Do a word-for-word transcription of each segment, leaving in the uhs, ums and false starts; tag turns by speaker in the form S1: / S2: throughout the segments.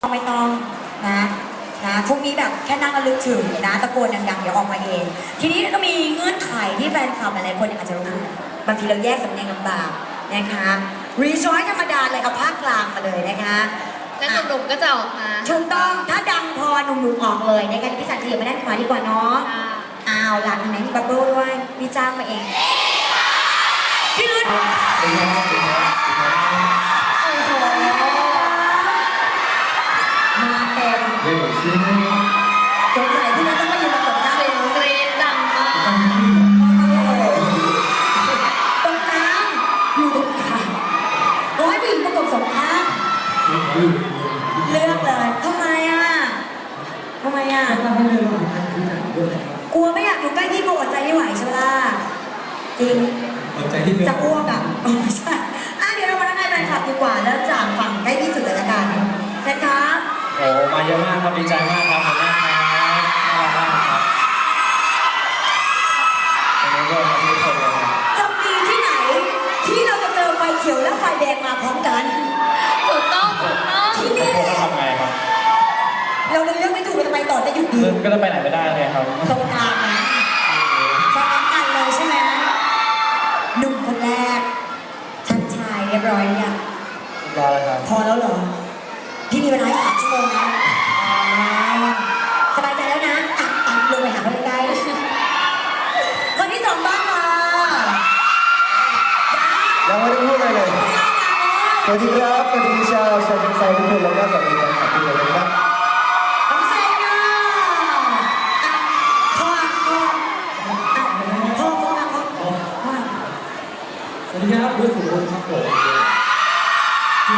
S1: ไม่ต้องนะนะพวกนี้แบบแค่นั่งระลึกถึงนะตะโกนดังๆเดี๋ยวออกมาเอง ทีนี้ก็มีเงื่อนไขที่แฟนคลับหลายๆคนอาจจะรู้บางทีเราแยกสำเนียงลำบากนะคะรีจอยธรรมดาเลยเอาภาคกลางมาเลยนะคะ
S2: แล้วหนุ่มๆก็จะออกมา
S1: ถูกต้องถ้าดังพอหนุ่มๆออกเลยนะคะพี่จันทร์ขยับมาด้านขวาดีกว่าเนาะ
S2: ค่ะ
S1: อ้าวหลานทางไหนมีบับเบิ้ลด้วยพี่จ้างมาเองพี่รุ่นโอ้โหมาเต็มสงสัยที่เราต้องมายืนประกบหน้า
S2: เสียงกรี๊ดดังมาก
S1: ตรงกลางอยู่ตรงกลางร้อยผู้หญิงประกบสองข้างเลือกเลยทำไมอ่ะทำไมอ่ะกลัวไม่อยากอยู่ใกล้พี่กลัวอดใจไม่ไหวใช่ไหมล่ะจริง
S3: อดใจที่เดิ
S1: จะอ้วกอ่ะอ๋อไม่ใช่อ่ะเดี๋ยวเรามาทักทายแฟนคลับดีกว่าแล้วจากฝั่งใกล้ที่สุดเลยละกันเชิญครับ
S3: โอ้มาเยอะมากครับดีใจมากครับขอบคุณมากครับน่ารักมากครับวันนี้ก็มาที่คนเลยครับ
S1: จะมีที่ไหนที่เราจะเจอไฟเขียวและไฟแดงมาพร้อมกัน
S2: ถูกต้องถูกต้อง
S1: ที่นี่
S3: พวกเขาทำไงครับ
S1: เราเลยเลือกไม่ถูกจะไปต่อจะหยุดดี
S3: ก็จะไปไหนไม่ได้เลยครับ
S1: ตรงกลางนะจะนับกันเลยใช่ไหมหนุ่มคนแรกทักทายเรียบร้อยเนี่ยง
S3: รอแล้วครับ
S1: พอแล้วเหรอ พี่มีเวลาให้สามชั่วโมงนะอ๋อสบายใจแล้วนะอ่ะอ่ะลงไปหาเขาใกล้ๆคนที่สองบ้างค่ะ
S4: ยังไม่ได้พูดอะไรเลย สวัสดีครับ สวัสดีชาวชาวเชียงรายทุกคนแล้วก็สวัสดีแฟนคลับทุกคนเลยนะครับ
S1: น้องเซนค่ะอ่ะพ่อพ่ออ่ะพ่อพ่อพ่อพ่อ
S3: สวัสดีครับรู้สึกว่าครับผมคือ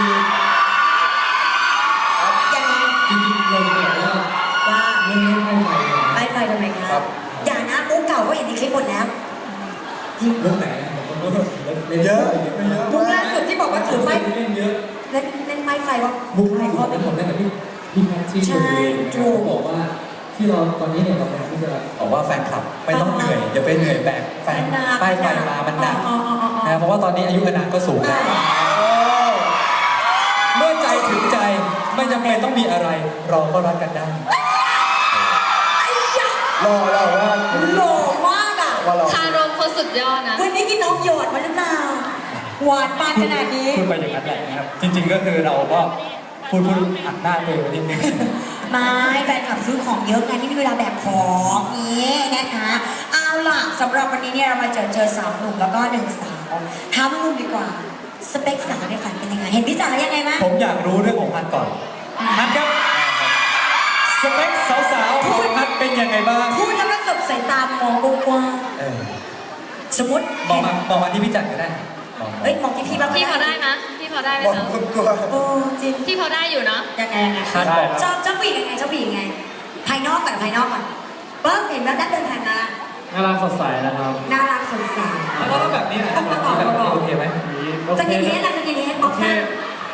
S1: ยังไง
S3: จริงๆเราจะบอกว่า
S1: ว่า
S3: เรื่องนี้ให้ไปเนี่ย
S1: ไล่ไฟทำไมครับอย่านะมุกเก่าก็เห็นในคลิปหมดแล้วจริง
S3: เรื่องไหนผมก็เล่น
S4: เย
S3: เย
S4: อะ
S3: อะ
S4: เยอะ
S1: มุก
S4: มา
S1: ล่าก สุดที่บอกว่าถือไม้
S3: เล่นเยอะ
S1: เล่นเล่นไม้ไฟว่า
S3: มุก
S1: ใคร
S3: ให้
S1: พ่
S3: พ่
S1: อ
S3: อ
S1: เป็
S3: เป็น น
S1: ค
S3: ผม
S1: น
S3: เล่นกับพี่พี่แพทชี่
S1: ใช่
S3: ถู
S1: ถู
S3: ก
S1: ก
S3: บอกว่าที่เราตอนนี้เนี่ยเราพยายามที่จะบอกว่าแฟนคลับไม่ต้องเหนื่อยอย่าไปเหนื่อยแบกแฟนป้ายไฟมามันหนัก
S1: อ๋ออ๋ออ๋ออ๋อ
S3: นะเพราะว่าตอนนี้อายุอานามก็สูงแล้วเมื่อใจถึงใจไม่จำเป็นต้องมีอะไรเราก็รักกันได้
S1: ไอ้ยะ
S4: รอรอว่า
S1: หล่อมากอ่ะ
S4: ว่ารอ
S2: คารมเขาสุดยอดนะ
S1: วันนี้กินน้องหยอดมาหรือเปล่าหวานปานขนาดนี้
S3: พูดไปอย่างนั้นแหละนะครับ จริง ๆ ก็คือเราก็พูดพูดหักหน้าตัวเองไปนิดนึง
S1: ไม่แฟนคลับซื้อของเยอะไงไม่มีเวลาแบกของนี้นะคะ เอาล่ะสำหรับวันนี้เนี่ยเรามาเจอเจอสามหนุ่มแล้วก็หนึ่งสาวถามหนุ่มดีกว่า สเปคสาวในฝันเป็นยังไง เห็นพี่จ๋าแล้วยังไงไหม
S3: ผมอยากรู้เรื่องของพัดก่อนพัดครับสเปคสาวๆของพัดเป็นยังไงบ้าง
S1: พูดแล้วก็สบสายตามองกว้าง
S3: เออ
S1: ๆสมมติ
S3: บอกมาบอกมาที่พี่จัดก็ได้บอกมา
S1: เฮ้ยมองที่พี่บ้าง
S2: พี่พอได้นะพี่พอได้ไหม
S4: บอก
S2: คะ
S4: คุณกลัว
S1: โอ้จริง
S2: พี่พอได้อยู่เนาะ
S1: ยังไงยังไง
S3: พัดบอก
S1: ชอบชอบผู้หญิงยังไงชอบผู้หญิงยังไง ภายนอกก่อนภายนอกก่อนเบิ้มเห็นแล้วด้านเดินผ่านมา
S3: น่ารักสดใสนะครับ
S1: น่ารักสดใส
S3: แล้วก็แบบนี้นะแบบนี้แบบนี้โอเคไหม
S1: สกินเฮดนะสกินเฮดออฟชั่น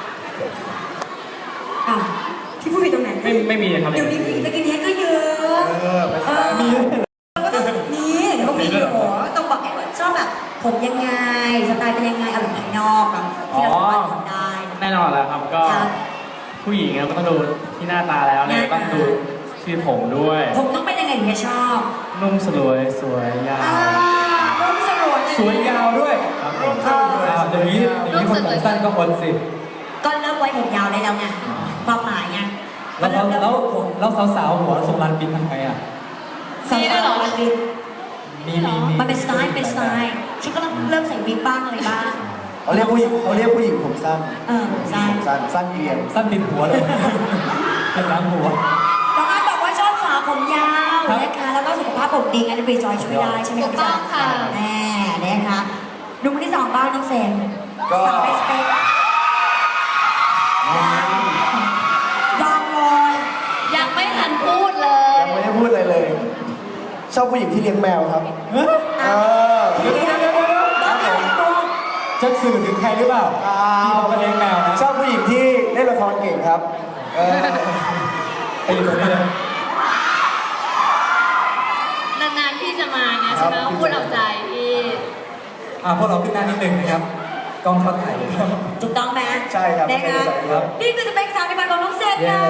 S1: อ้าวพี่พูดผิดตรงไหน
S3: ไม่ไม่มีครับ
S1: เดี๋ยวนี้ผู้หญิงสกินเฮดก็เยอะ
S4: เออไป
S1: เออมีก็ต้องมีเดี๋ยวก็มีอยู่ต้องบอกไอ้ว่าชอบแบบผมยังไงสไตล์เป็นยังไงเอาแบบภายนอกอะที่เราสามารถทำได้
S5: แน่นอนแล้วครับก็
S1: ครับ
S5: ผู้หญิงอะก็ต้องดูที่หน้าตาแล้วเนี่ย
S1: หน้าตา
S5: ต้องดูที่ผมด้วย
S1: ผมต้องเป็นยังไงถึงจะชอบ
S5: นุ่มสลวยสวยยาว
S1: อ่ารุ่มสลวย
S3: สวยยาวด้วย
S5: ครับผม
S1: เออ
S3: อ่าเดี๋ยวนี้เดี๋ยวนี้คนผมสั้นก็คนสิ
S1: ก็เริ่มไว้ผมยาวได้แล้วไงความหมายไง
S3: แล้วแล้วแล้วแล้วสาวๆหัวทรงลานบินทำไงอ่ะ
S1: สาวๆมันบิน
S3: มีมีมี
S1: มันเป็นสไตล์เป็นสไตล์ฉันก็เริ่มใส่วิกบ้างอะไรบ้าง
S4: เขาเรียกผู้หญิงเขาเรียกผู้หญิงผมสั้น
S1: เออผมสั้น
S4: ผมสั้นสั้นเกลียน
S3: สั้นติดหัวเลยเป็นล้างหัว
S1: น้องอาร์ตบอกว่าชอบสาวผมยาว
S3: ครับ
S1: นะคะแล้วก็สุขภาพผมดีงั้นรีจอยช่วยได้ใช่ไหม
S2: ถูกต้องค่ะ
S1: แน่นะคะดูคนที่สองบ้างน้องเซนสาวไอสเปกยอมเลย
S2: ยังไม่ทันพูดเลย
S4: ยังไม่ได้พูดอะไรเลย ชอบผู้หญิงที่เลี้ยงแมวครับ เออ
S1: เดี๋ยวเดี๋ยวเดี๋ยวเดี๋ยวต้องแต่งตัว
S3: จะสื่อถึงใครหรือเปล่าพี่เขาเป็นเลี้ยงแมวนะ
S4: ชอบผู้หญิงที่เล่นละครเก่งครับ เออ
S3: ไปอยู่ตรงนี้เลย
S2: นานๆพี่จะมาไงใช่ไหมพูดเอาใจพี่
S3: อ่าพวกเราขึ้นหน้านิดนึงนะครับกล้องเข้าถ่ายเลยครับ
S1: ถูกต้องไหม
S4: ใช่ครับ
S1: นะ
S4: ใช่
S1: คะ
S4: ครับ
S1: นี่คือสเปคสาวในฝันของน้องเซนค่ะ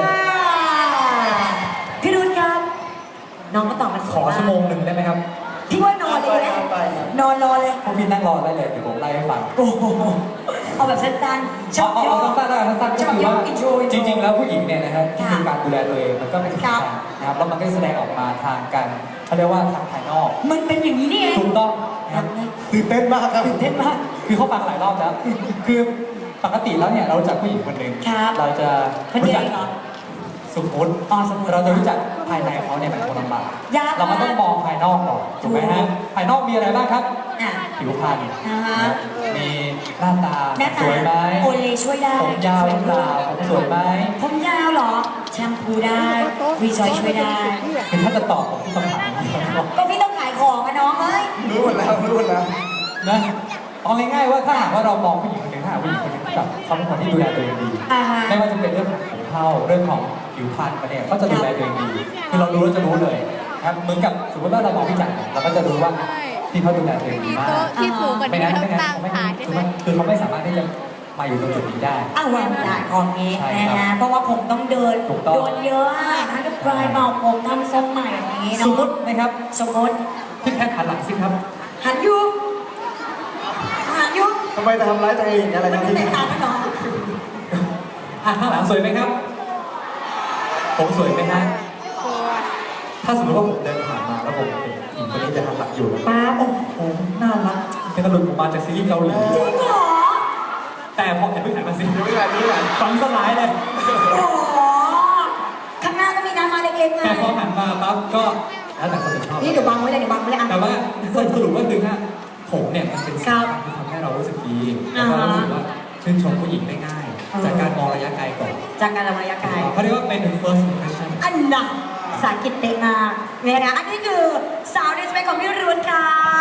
S1: พี่รุ่นครับ น้องก็ตอบมา
S3: ขอชั่วโมงหนึ่งได้ไหมครับ
S1: พี่ว่านอนเลยนะ
S4: ไปครับ
S1: นอนรอเลย
S3: พวกพี่นั่งรอได้เลยเดี๋ยวผมไล่ให้ฟัง
S1: โอ้โหเอาแบบสั้นๆ
S3: เอาเอาเอาสั้นๆแล้วกันสั้นๆก็คือว่า
S1: อินโทรอินโท
S3: จ
S1: ร
S3: ริงๆแล้วผู้หญิงเนี่ยนะครับ
S1: ค่ะ
S3: คือการดูแลตัวเองมันก็เป็นสิ่ง
S1: ครั
S3: สำ
S1: บ
S3: คัญนะครับแล้วมันก็แสดงออกมาทางการเขาเรียกว่าทางภายนอก
S1: มันเป็นอย่างนี้นี่เอง
S3: ถูกต้องนะครับ
S4: ตื่นเต้นมากครับ
S1: ตื่นเต้นมาก
S3: คือเขาฟังหลายรอบแล้ว คือปกติแล้วเนี่ยเรารู้จักผู้หญิงคนหนึ่ง
S1: ครับ
S3: เราจะ
S1: คน
S3: รู้
S1: เดียว
S3: จัก
S1: เองเหรอ
S3: สมมติ
S1: อ๋อสมมุติ
S3: เราจะรู้จักภายในเขาเนี่ยเป็นคนลำบาก
S1: ยากมาก
S3: เราก็ต้องมองภายนอกก่อนถูกไหมฮะภายนอกมีอะไรบ้างครับ
S1: อ่ะ
S3: ผิวพรรณ
S1: อ่าฮะ
S3: นะครับมีหน้าตา
S1: หน้าตา
S3: สวยไหม
S1: โอเลช่วยได้
S3: ผมยาวหรือเปล่าผมสวยไหม
S1: ผมยาวเหรอ แชมพูได้วีจอยช่วยได้
S3: คือถ้าจะตอบผมที่คำถามนี้ครับ
S1: ก็พี่ต้องขายของอะน้องเอ้ย
S4: รู้หมดแล้วรู้หมดแล้ว
S3: นะเอาง่ายๆว่าถ้าหากว่าเรามองผู้หญิงคนหนึ่งถ้าหากผู้หญิงคนหนึ่งแบบเขาเป็นคนที่ดูแลตัวเองดี
S1: อ่าฮะ
S3: ไม่ว่าจะเป็นเรื่องของผิวเผาเรื่องของผิวพรรณมาเนี่ยเขาจะดูแลตัวเองดี คือเรารู้เราจะรู้เลยนะครับเหมือนกับสมมติว่าเรามองพี่จักรเนี่ยเราก็จะรู้ว่าที่เขาดูแลตัวเองดี
S2: มี
S3: มาก
S2: โต๊ะที่สูงกว่า
S3: ไม่
S2: ที่
S3: งั้น
S2: เรา
S3: ไม่งั้น
S2: ตั้ง
S3: เขาไม่
S2: ขายได้
S3: คือ
S2: ไหม
S3: มันคือเขาไม่สามารถที่จะมาอยู่ตรงจุดนี้ได้
S1: อ้าววางได้ของนี้
S3: ใช่
S1: นะครับ ฮะเพราะว่าผมต้องเดิน
S3: ถูกต้อง
S1: โดนเยอะอะทั้งกับปลายเบาผมทำทรงใหม่อย่างนี้
S3: สม
S1: เนาะ
S3: มตินะครับ
S1: สมมติ
S3: พี่แค่หันหลังสิครับ
S1: หันอยุหันอยุ
S4: ทำไมจะทำร้ายตัวเองอะไร
S1: มัน
S4: ครับ
S1: จะ
S4: พี่
S1: แตกต่างกันเหรอ
S3: อ่ะข้างหลังสวยไหมครับ ผมสวยไหมฮะถ้าสมมติว่าผมเดินผ่านมาแล้วผมเห็นหญิงคนนี้จะหันหลังอยู่
S1: ป้าโอ้
S3: โอ้น่ารักเป็นกระดุมออกมาจากซีรีส์เกาหลี
S1: จริงเหรอ
S3: แต่พอเห็นผู้ชายมาสิ
S4: รู้งานรู้งาน
S3: ฝันสลายเลย
S1: โอ้ข้างหน้าก็มีน้ำมาเล็กๆไง
S3: แต่พอหันมาปั๊บก็แล้วแต่คนจะชอบ
S1: นี่เดี๋ยวบังไว้เลยเดี๋ยวบังไว้เลยอ่ะ
S3: แต่ว่าสรุปก็คือว่าผมเนี่ยมันเป็นสิ่ง
S1: ครับ
S3: ที่ทำให้เรารู้สึกดีแล้วก็รู้สึกว่าชื่นชมผู้หญิงได้ง่าย
S1: อ่า
S3: จากการมองระยะไกลก่อน
S1: จากการระยะไกล
S3: เขาเรียกว่าเป็น first impression
S1: อันน่ะภาษาอังกฤษเตะมากเนี่ยนะอันนี้คือสาวในสเปคของพี่รุนค่ะ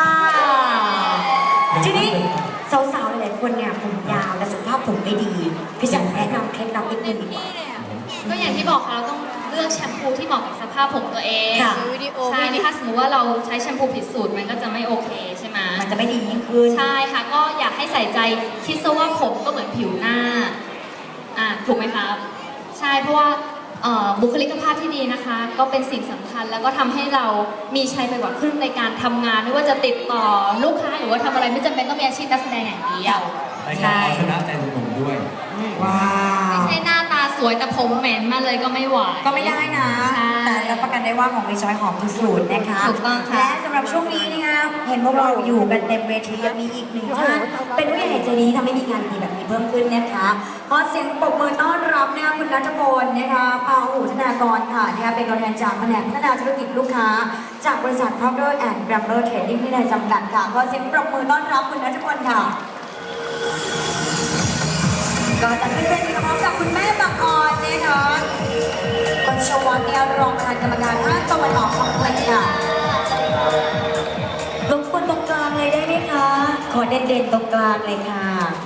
S1: ทีนี้สาวๆหลายๆคนเนี่ยผมยาวแต่สุขภาพผมไม่ดี พี่จันแนะนำเคล็ดลับนิดนึงดีกว่า
S2: ก็อย่างที่บอกค่ะเราต้องเลือกแชมพูที่เหมาะกับสภาพผมตัวเอง
S1: ค่ะ
S2: ใช่ถ้าสมมติว่าเราใช้แชมพูผิดสูตรมันก็จะไม่โอเคใช่ไหม
S1: มันจะไม่ดียิ่งขึ้น
S2: ใช่ค่ะก็อยากให้ใส่ใจคิดซะว่าผมก็เหมือนผิวหน้าอ่ะถูกไหมครับ ใช่เพราะว่าเอ่อบุคลิกภาพที่ดีนะคะ ก็เป็นสิ่งสำคัญแล้วก็ทำให้เรามีชัยไปกว่าครึ่งในการทำงาน ไม่ว่าจะติดต่อลูกค้าหรือว่าทำอะไรไม่จำเป็นต้องมีอาชีพนักแสดงอย่างเดียว
S3: ในการเอาชนะใจหนุ่มๆด้วย
S1: ว้าว
S2: ไม่ใช่หน้าตาสวยแต่ผมเหม็นมาเลยก็ไม่ไหว
S1: ก็ไม่ได้นะ
S2: ใช่
S1: แต่รับประกันได้ว่าของรีจอยหอมทุกสูตรนะคะ
S2: ถูกต้องค่ะ
S1: และสำหรับช่วงนี้นะคะเห็นพวกเราอยู่กันเต็มเวทียังมีอีกหนึ่งท่านเป็นผู้ใหญ่ใจดีทำให้มีงานดีแบบนี้เพิ่มขึ้นนะคะขอเสียงปรบมือต้อนรับนะคะคุณนัทพลนะคะพาหูธนากรค่ะนะคะเป็นตัวแทนจากแผนกพัฒนาธุรกิจลูกค้า จากบริษัท Procter and Gamble Trading ที่ได้จำกัดค่ะขอเสียงปรบมือต้อนรับคุณนัทพลค่ะ ก็จะขึ้นเป็นพร้อมกับคุณแม่บางออนนะคะคนชวัตเนี่ยรองประธานกรรมการภาคตะวันออกของเพลงค่ะรบกวนตรงกลางเลยได้ไหมคะ ขอเด่นๆตรงกลางเลยค่ะ